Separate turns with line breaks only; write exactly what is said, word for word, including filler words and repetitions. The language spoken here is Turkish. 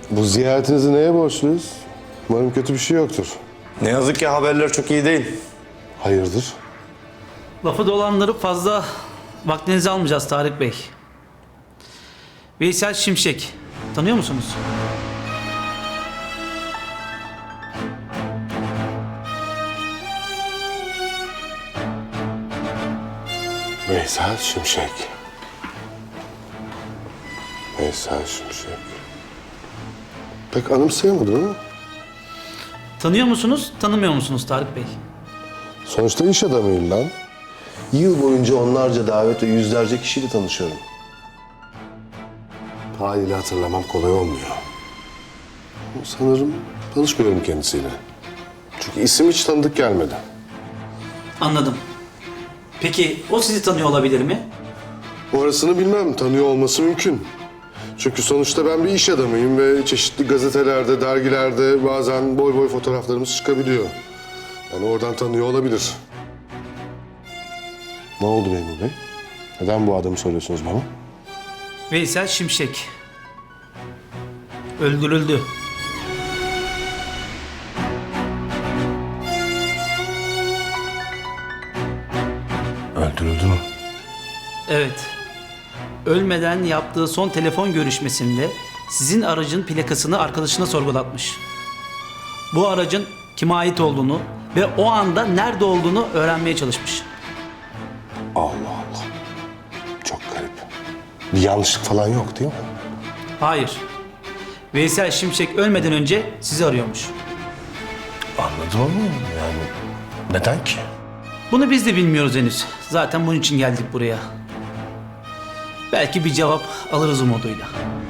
Bu ziyaretinizi neye borçluyuz? Umarım kötü bir şey yoktur.
Ne yazık ki haberler çok iyi değil.
Hayırdır?
Lafı dolandırıp fazla vaktinizi almayacağız Tarık Bey. Veysel Şimşek. Tanıyor musunuz?
Veysel Şimşek. Veysel Şimşek. Pek anımsayamadım ama
Tanıyor musunuz, tanımıyor musunuz Tarık Bey?
sonuçta iş adamıyım ben. Yıl boyunca onlarca davet ve yüzlerce kişiyle tanışıyorum. Haliyle hatırlamam kolay olmuyor. Ama sanırım tanışmıyorum kendisiyle. Çünkü isim hiç tanıdık gelmedi.
Anladım. Peki o sizi tanıyor olabilir mi?
Orasını bilmem, tanıyor olması mümkün. Çünkü sonuçta ben bir iş adamıyım ve çeşitli gazetelerde, dergilerde bazen boy boy fotoğraflarımız çıkabiliyor. Yani oradan tanıyor olabilir. Ne oldu Memur Bey? Neden bu adamı soruyorsunuz bana?
Veysel Şimşek. Öldürüldü.
Öldürüldü mü?
Evet. Ölmeden yaptığı son telefon görüşmesinde sizin aracın plakasını arkadaşına sorgulatmış. Bu aracın kime ait olduğunu ve o anda nerede olduğunu öğrenmeye çalışmış.
Allah Allah. Çok garip. Bir yanlışlık falan yok değil mi?
Hayır. Veysel Şimşek ölmeden önce sizi arıyormuş.
Anladım ama yani neden ki?
Bunu biz de bilmiyoruz henüz. Zaten bunun için geldik buraya. Belki bir cevap alırız umuduyla.